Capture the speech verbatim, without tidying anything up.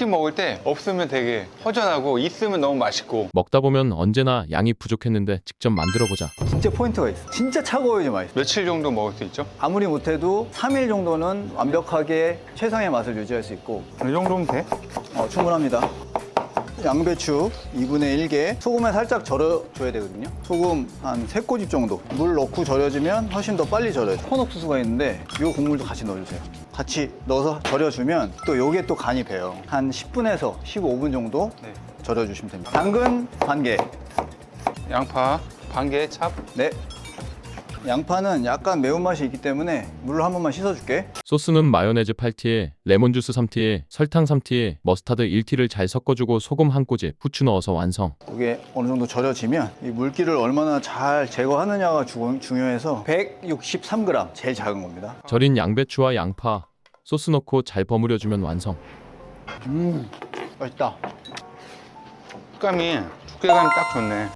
치킨 먹을 때 없으면 되게 허전하고 있으면 너무 맛있고. 먹다 보면 언제나 양이 부족했는데 직접 만들어보자. 진짜 포인트가 있어. 진짜 차가워야지 맛있어. 며칠 정도 먹을 수 있죠? 아무리 못해도 삼 일 정도는 완벽하게 최상의 맛을 유지할 수 있고. 이 정도면 돼? 어, 충분합니다. 양배추 이분의 일 개, 소금에 살짝 절여줘야 되거든요. 소금 한 세 꼬집 정도. 물 넣고 절여주면 훨씬 더 빨리 절여요. 콘옥수수가 있는데 이 국물도 같이 넣어주세요. 같이 넣어서 절여주면 또 요게 또 간이 배요. 한 십 분에서 십오 분 정도 네. 절여주시면 됩니다. 당근 반 개. 양파 반 개 찹. 네. 양파는 약간 매운맛이 있기 때문에 물로 한 번만 씻어줄게. 소스는 마요네즈 팔 티에 레몬주스 삼 티에 설탕 삼 티에 머스타드 일 티를 잘 섞어주고 소금 한 꼬집, 후추 넣어서 완성. 이게 어느 정도 절여지면 이 물기를 얼마나 잘 제거하느냐가 주- 중요해서 백육십삼 그램, 제일 작은 겁니다. 절인 양배추와 양파, 소스 넣고 잘 버무려주면 완성. 음, 맛있다. 식감이 두께감이 딱 좋네.